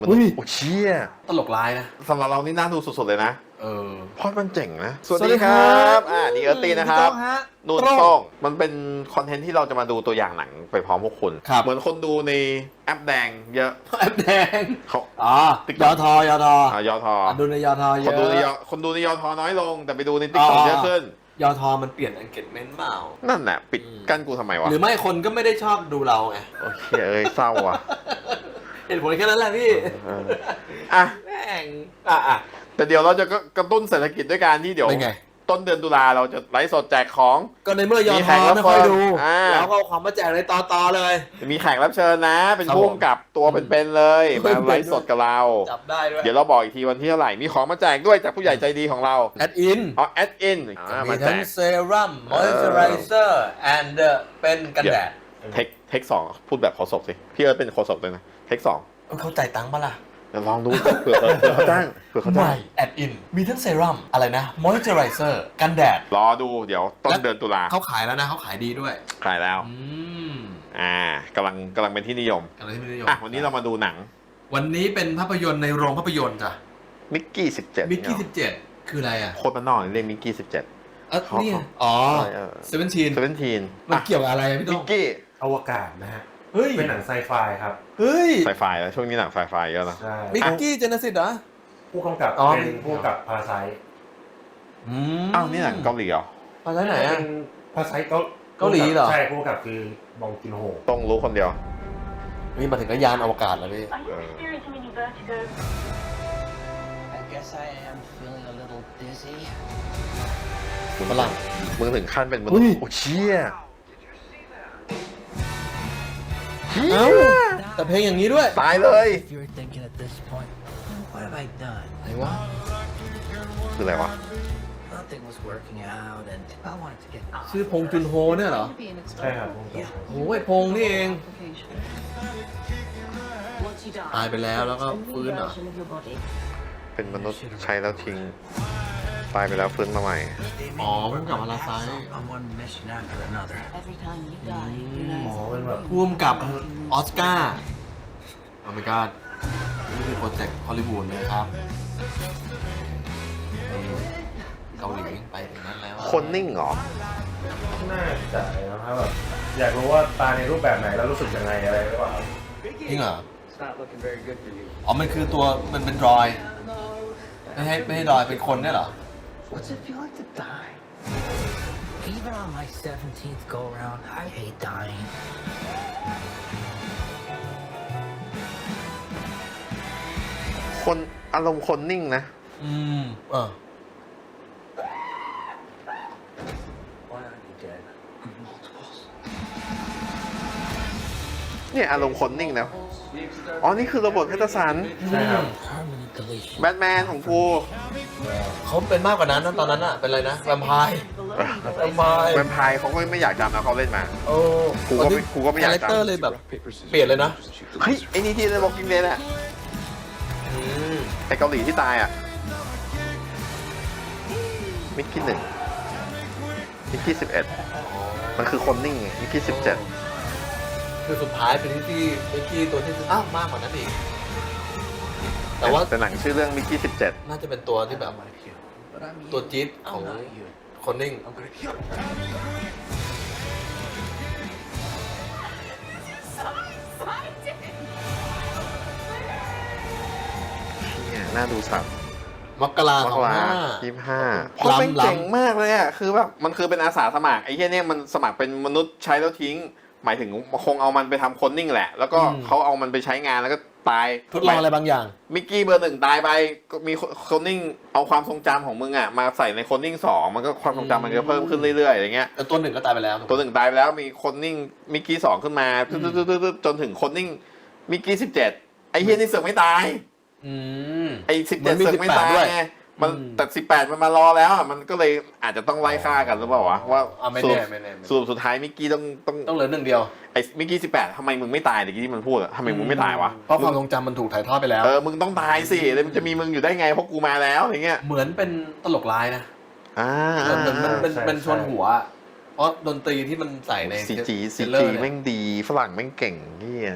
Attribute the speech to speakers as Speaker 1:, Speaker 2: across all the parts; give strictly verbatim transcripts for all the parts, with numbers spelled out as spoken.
Speaker 1: มันโอ้เชี่ย
Speaker 2: ตลกร้ายนะ
Speaker 1: สำหรับเรานี่น่าดูสุดๆเลยนะ
Speaker 2: เออ
Speaker 1: เพราะมันเจ๋งนะ
Speaker 2: สวัสดีครับ
Speaker 1: อ่านี่เอิร์ธตี้นะครับนูนโต้งมันเป็นคอนเทนต์ที่เราจะมาดูตัวอย่างหนังไปพร้อมพวกคุณ เหมือนคนดูในแอปแดงเยอะ
Speaker 2: แอปแดง
Speaker 1: เขา
Speaker 2: อ๋อยอทอยอทอ
Speaker 1: อ่ายอทอ
Speaker 2: ดูในยอทอเย
Speaker 1: คน
Speaker 2: อะ
Speaker 1: ดูในยอคนดูในยอทอน้อยลง แต่ไปดูในติ๊กต็อกเยอะขึ้น
Speaker 2: ยอทอมันเปลี่ยน engagement เปล่า
Speaker 1: นั่นแหละปิดกั้นกูทำไมวะ
Speaker 2: หรือไม่คนก็ไม่ได้ชอบดูเราไง
Speaker 1: โอเคเอ้ยเศร้าว่ะ
Speaker 2: เหตุผลแค่นั้นแหละพี่
Speaker 1: อ่ะ
Speaker 2: แม่งอ่ะอ่ะ
Speaker 1: แต่เดี๋ยวเราจะกระตุ้นเศรษฐกิจด้วยการที่เดี๋ยวต้นเดือนตุลาเราจะไลฟ์สดแจกของ
Speaker 2: ก็ในเมื่อยอทอไม่ค่อยดูแล้วก็ความมาแจกในตอตอเลย
Speaker 1: มีแขกรับเชิญนะเป็นผู้กำกับตัวเป็นๆเลยมาไลฟ์สดกับเรา
Speaker 2: จับได้ด้วย
Speaker 1: เดี๋ยวเราบอกอีกทีวันที่เท่าไหร่มีของมาแจกด้วยจากผู้ใหญ่ใจดีของเรา
Speaker 2: แอดอิน
Speaker 1: อ๋อแอดอิน
Speaker 2: มีทั้งเซรั่มมอยส์เจอไรเซอร์แอนด์เป็นกันแดด
Speaker 1: เทคเทคสองพูดแบบโฆษกสิพี่เอิร์ธเป็นโฆษกเลยนะเทคสอง
Speaker 2: เขาจ่ายตังค์ปะล่ะ
Speaker 1: ลองดูเผื่อเขาจ้างเผื่อเขาจ้าง
Speaker 2: แอดอินมีทั้งเซรั่มอะไรนะมอยส์เจอไรเซอร์กันแดด
Speaker 1: รอดูเดี๋ยวต้นเดือนตุลา
Speaker 2: เขาขายแล้วนะเขาขายดีด้วย
Speaker 1: ขายแล้ว
Speaker 2: อืม
Speaker 1: อ่ากำลังกำลังเป็นที่นิยม
Speaker 2: กำลังที่นิยม
Speaker 1: อ่ะวันนี้เรามาดูหนัง
Speaker 2: วันนี้เป็นภาพยนตร์ในโรงภาพยนตร์จ้ะ
Speaker 1: มิกกี้สิบเจ็ด
Speaker 2: มิกกี้สิบเจ็ดคืออะไรอ่ะ
Speaker 1: โคตรมันนอกเรียกมิกกี้สิบเจ็ด
Speaker 2: เออนี่อ๋อเซเว่นทีน
Speaker 1: เซเว่นทีน
Speaker 2: มันเกี่ยวกับอะไรพี่ต้
Speaker 1: นมิกกี้
Speaker 3: อวกาศนะฮะ
Speaker 2: เฮ้ย
Speaker 3: เป็นหนังไซไฟครับ
Speaker 2: เฮ้ย
Speaker 1: ไซไฟแล้วช่วงนี้หนังไซไฟเยอะนะ
Speaker 3: ใช่
Speaker 2: มิกกี้เจเนซิสเหรอ
Speaker 3: ผู้กำกับเป็นผู้กำกับพาราไซต์
Speaker 2: อืม
Speaker 1: อ้าวนี่หนังเกาหลีเหรอ
Speaker 2: พาราไซต์ไหนอ่ะ
Speaker 3: พาราไซต์
Speaker 2: เกาหลีเหรอ
Speaker 3: ใช่ผู้กำกับคือบองจินโฮ
Speaker 1: ต้องรู้คนเดียว
Speaker 2: นี่มาถึงก็ยานอวกาศแล้วพี่ฝรั่ง
Speaker 1: มึงถึงขั้นเป็นมนุษย์โอ้เชี่ย
Speaker 2: เอ้าแต่เพลงอย่างนี้ด้วย
Speaker 1: ตายเลย
Speaker 2: ไหนวะ
Speaker 1: คืออะไรวะ
Speaker 2: ชื่อพงจุนโฮเนี่ยเหรอ
Speaker 3: ใช่ครับ
Speaker 2: โอ้ยพงนี่เองตายไปแล้วแล้วก็ฟื้นเหรอ
Speaker 1: เป็นมนุษย์ใช้แล้วทิ้งตายไปแล้วฟื้นมาใหม่
Speaker 2: อ๋อพุ่มกับพาราไซต์
Speaker 3: อ๋อเป็นแบบ
Speaker 2: พุ่มกับออสการ์โอ้ my god นี่คือโปรเจกต์ฮอลลีวูดเลยครับเกาหลีไปถึงนั้นแล้ว
Speaker 1: คนนิ่งเหรอ
Speaker 3: น่าจะนะครับแบบอยากรู้ว่าตาในรูปแบบไหนแล้วรู้สึกยังไงอะไรหรือเปล่า
Speaker 2: จริงเหรออ๋อมันคือตัวมันเป็นรอยไม่ให้ไม่ให้รอยเป็นคนเนี่ยเหรอ
Speaker 4: What's it feel like to die? Even on my seventeenth go around, I hate dying.
Speaker 1: คนอารมณ์คนนิ่งนะ
Speaker 2: อืมเออ
Speaker 4: Why aren't you dead? Multiples.
Speaker 1: เนี่ยอารมณ์คนนิ่งนะอ๋อนี่คือโรเบิร์ต แพตตินสัน
Speaker 3: ใช่ครับ
Speaker 1: แบทแมนของกู
Speaker 2: เขาเป็นมากกว่านั้นนะตอนนั้นอะเป็นอะไรนะแวมไพร์แวมไพร์
Speaker 1: แวมไพร์เขาก็ไม่อยากจำนะเขาเล่นมา
Speaker 2: โอ้
Speaker 1: กูก็ไม่กูก็ไม่อยากจำคาแรค
Speaker 2: เตอร์เลยแบบเปลี่ยนเลยนะ
Speaker 1: เฮ้ยไอ้นี่ที่เลยบอกกินเลยน่ะไอ้เกาหลีที่ตายอ่ะมิกกี้หนึ่งมิกกี้สิบเอ็ดมันคือคนนิ่งมิกกี้สิบเจ็ด
Speaker 2: คือสุดท้ายเป็นที่มิกกี้ตัวที่อ้าวมากกว่านั้นอีกแต่ว่า
Speaker 1: แต่หนังชื่อเรื่องมิกกี้สิบเจ็ด
Speaker 2: น่าจะเป็นตัวที่แบบตัวจี๊ดของคนนิ่ง
Speaker 1: เนี่ยน่าดูสัตว์
Speaker 2: มกรา
Speaker 1: สองห้ายี่ห้าเพราะเป็นเจ๋งมากเลยอ่ะคือแบบมันคือเป็นอาสาสมัครไอ้เหี้ยเนี่ยมันสมัครเป็นมนุษย์ใช้แล้วทิ้งหมายถึงคงเอามันไปทำคนนิ่งแหละแล้วก็เขาเอามันไปใช้งานแล้วก็ตาย
Speaker 2: ทดลองอะไรบางอย่าง
Speaker 1: มิกกี้เบอร์หนึ่งตายไปก็มีคนนิ่งเอาความทรงจำของมึงอ่ะมาใส่ในคนนิ่งสองมันก็ความทรงจำมันก็เพิ่มขึ้นเรื่อยๆอย่างเงี้ย
Speaker 2: แต่ตัวหนึ่งก็ตายไปแล้ว
Speaker 1: ตัวหนึ่งตายไปแล้วมีคนนิ่งมิกกี้สองขึ้นมาจนถึงคนนิ่งมิกกี้สิบเจ็ดไอ้เฮียนี่เสือกไม่ตายไอ้สิบเจ็ดเสือกไม่ตายไงมันแต่สิบแปดมันมารอแล้วอ่ะมันก็เลยอาจจะต้องไล่ฆ่ากันหรือเปล่าวะว่า
Speaker 2: ไม่แน่ไม่แน่
Speaker 1: สรุปสุดท้ายมิกกี้ต้องต้อง
Speaker 2: ต้องเหลือหนึ่งเดียว
Speaker 1: ไอ้มิกกี้สิบแปดทำไมมึงไม่ตายเดี๋ยวที่มันพูดอะทำไมมึงไม่ตายวะ
Speaker 2: เพราะความทรงจำมันถูกถ่ายทอดไปแล้ว
Speaker 1: เออมึงต้องตายสิแล้วมันจะมีมึงอยู่ได้ไงเพราะกูมาแล้วอย่างเงี้ย
Speaker 2: เหมือนเป็นตลกร้ายนะ
Speaker 1: อ่า
Speaker 2: มันมันเป็นเป็นชวนหัวเพราะดนตรีที่มันใส่ใน
Speaker 1: ซีจีซีจีแม่งดีฝรั่งแม่งเก่งนี่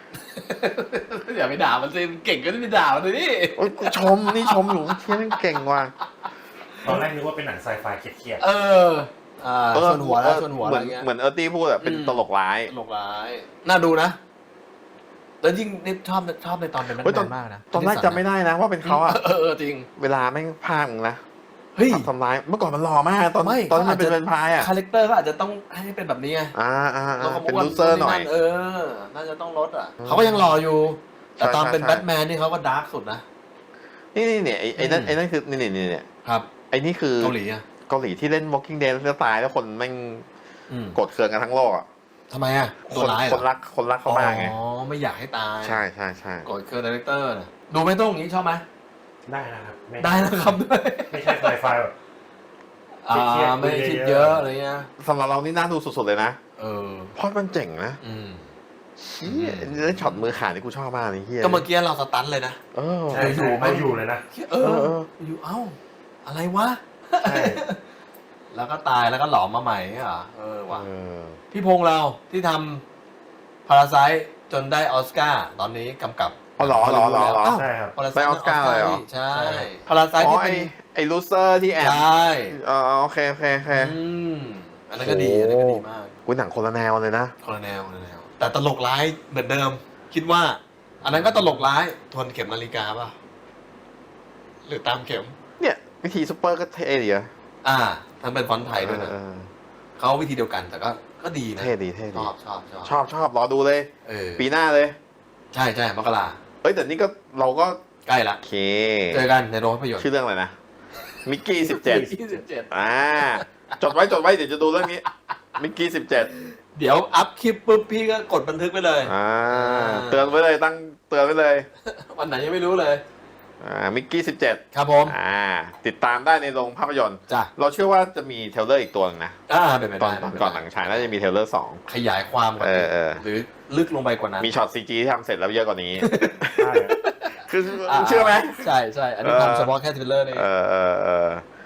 Speaker 2: อย่าไปด่ามันสิมันเก่งก็ไม่ไปด่ามันเลยนี่
Speaker 1: โอ้ยกูชมนี่ชมอยู่เชี่ยมันเก่งว่ะ
Speaker 3: ตอนแรกนึกว่าเป็นหนังไซไฟเครียด
Speaker 2: เอออ่าชนหัวแล้วชนหัว
Speaker 1: เห
Speaker 2: อะไร
Speaker 1: มือน
Speaker 2: เงี้ย
Speaker 1: เหมือนเออร์ตี้พูดอะเป็นตลกร้าย
Speaker 2: ตลกร้ายน่าดูนะแล้วยิ่งนี่ชอบชอบในตอนเป็นแบท
Speaker 1: เฮ้ย
Speaker 2: แม
Speaker 1: ตอน
Speaker 2: นมากนะ
Speaker 1: ตอนแรกจำไม่ได้นะว่าเป็นเขาอะ
Speaker 2: เออเออจริง
Speaker 1: เวลาแม่งพากมึงนะ
Speaker 2: เฮ้ย
Speaker 1: ทำร้ายเมื่อก่อนมันหล่อมากตอน
Speaker 2: ไม่
Speaker 1: ตอนที่มัน
Speaker 2: เขาอาจ
Speaker 1: เป็น
Speaker 2: จะ
Speaker 1: แวมไพร์อะ
Speaker 2: คาแรคเตอร์ก็อาจจะต้องให้เป็นแบบนี้ไง
Speaker 1: อ่าอ่า
Speaker 2: แล้ว
Speaker 1: อ่า
Speaker 2: เขา
Speaker 1: เป็น
Speaker 2: บอกว่า
Speaker 1: ลูเซอร์หน่อย
Speaker 2: เออ น่าจะต้องลดอ่ะ เขาก็ยังรออยู่ แต่ตอนเป็น
Speaker 1: ใช่
Speaker 2: แบทแมนนี่เขาก็ดาร์กสุดนะ
Speaker 1: นี่นี่เนี่ยไอ้ไอ้นั่น
Speaker 2: อืม
Speaker 1: ไอ้นั่นคือนี่นี่นี่เนี่ย
Speaker 2: ครับ
Speaker 1: ไอ้นี่คือ
Speaker 2: เกาหลีอ่ะ
Speaker 1: เกาหลีที่เล่น Walking Dead แล้วตายแล้วคนแม่ง
Speaker 2: อืม
Speaker 1: โกรธเคืองกันทั้งโลกอ่ะ
Speaker 2: ทำไมอ่ะ
Speaker 1: ค
Speaker 2: ตัวน ร้ายเห
Speaker 1: ค
Speaker 2: รอน
Speaker 1: รักคนรักเขามากไง
Speaker 2: อ๋อ ไม่อยากให้ตาย
Speaker 1: ใช่ใช่ใช่
Speaker 2: กดเคอร์ดีเรคเตอร์นะดูไหม่ต้องอย่างนี้ชอบไหม
Speaker 3: ๆได้นะครับม่
Speaker 2: ได้นะครับด้วย
Speaker 3: ไม่ใช่ไซไฟแบบ
Speaker 2: อ่า
Speaker 3: เครียดๆ
Speaker 2: ไม่คิด
Speaker 3: เย
Speaker 2: เย
Speaker 3: อะ
Speaker 2: อะ
Speaker 3: ๆ
Speaker 2: อะไรเงี้ย
Speaker 1: สำหรับเรานี่น่าดูสุดๆเลยนะ
Speaker 2: เออ
Speaker 1: เพราะมันเจ๋งนะ
Speaker 2: อืม
Speaker 1: เชี่ยเล่นช็อตมือขาดนี่กูชอบมากเลยเฮีย
Speaker 2: ก็เมื่อกี้เราสตันเลยนะ
Speaker 1: เออ
Speaker 3: ใช่
Speaker 2: อยู่
Speaker 3: ใช่
Speaker 2: ไม่
Speaker 3: เขาอยู่เลยนะ
Speaker 2: เอ
Speaker 1: เอ
Speaker 2: อ
Speaker 1: อเออ
Speaker 2: อยู่เอ้า อะไรวะ
Speaker 3: ใช่
Speaker 2: แล้วก็ตายแล้วก็หลอมมาใหม่เหรอเออว่ะ
Speaker 1: เออ
Speaker 2: พี่พงษ์เราที่ทำพาราไซจนได้ออสการ์ตอนนี้กำกับ
Speaker 1: อ๋อเหรอเหรอเหรอเหรอ
Speaker 2: อ้าว
Speaker 3: ใช่ครับ
Speaker 2: พาราไซ
Speaker 1: ได้ออสการ์เลยเหรอ
Speaker 2: ใช่
Speaker 3: ใช่
Speaker 2: พาราไซ
Speaker 1: อ๋อ
Speaker 2: ที่
Speaker 1: ไอ
Speaker 2: เป็น
Speaker 1: ไอลูเซอร์ที่แอบ
Speaker 2: ใช่
Speaker 1: อ๋อโอเคโอเคโอเค
Speaker 2: อืมอันนั้นก็ดีอันนั้นก็ดีมาก
Speaker 1: กูหนังคนละแนวเลยนะ
Speaker 2: คนละแนวคนละแนว แต่ตลกร้ายเหมือนเดิม คิดว่า อันนั้นก็ตลกร้ายทวนเข็มนาฬิกาป่ะหรือตามเข็ม
Speaker 1: เนี่ย วิธีซุปเปอร์ก็เท่ดีอะ
Speaker 2: อ่าทำเป็นฟอนต์ไทยด้วยนะ
Speaker 1: เออ
Speaker 2: เขาวิธีเดียวกันแต่ก็ก็ดีนะ
Speaker 1: เท่ดีเท่
Speaker 2: ช
Speaker 1: ดี
Speaker 2: อบชอบชอบ
Speaker 1: ชอบชอบรอดูเลย
Speaker 2: เออ
Speaker 1: ปีหน้าเลย
Speaker 2: ใช่ใช่มกรา
Speaker 1: เอ้ยแต่นี่ก็เราก็
Speaker 2: ใกล้ละ
Speaker 1: โอเค
Speaker 2: เจอกันในโรงภาพยนตร์
Speaker 1: ชื่อเรื่องอะไรนะ มิกกี้สิบเจ็ด
Speaker 2: ยี่สิบเจ็ด
Speaker 1: อ่า จดไว้จดไว้เดี๋ยวจะดูเรื่องนี้ มิกกี้สิบเจ็ด
Speaker 2: เดี๋ยวอัพคลิปปุ๊บพี่ก็กดบันทึกไปเลย
Speaker 1: อ่า เตือนไว้เลยตั้งเตือนไว้เลย
Speaker 2: วันไหนยังไม่รู้เลย
Speaker 1: อ่า มิกกี้สิบเจ็ด
Speaker 2: ครับผม
Speaker 1: อ่า ติดตามได้ในโรงภาพยนตร์
Speaker 2: จ้ะ
Speaker 1: เราเชื่อว่าจะมีเทรลเลอร์อีกตัวหนึงนะ
Speaker 2: อ่าเป็นไป
Speaker 1: ตอ
Speaker 2: ได้
Speaker 1: นตอนก่อนหนังฉายน่าจะมีเทรลเลอร์สอง
Speaker 2: ขยายความกว่า
Speaker 1: เอ
Speaker 2: นี้
Speaker 1: อเออ
Speaker 2: หรือลึกลงไปกว่านั้น
Speaker 1: มีช็อตซีจีที่ทำเสร็จแล้วเยอะกว่านี้
Speaker 3: ใช่
Speaker 1: คือเชื่อไหม
Speaker 2: ใช่ใช่อันนี้
Speaker 1: เออ
Speaker 2: ทำเฉพาะแค่เทรลเลอร์นี่
Speaker 1: เออเออเออ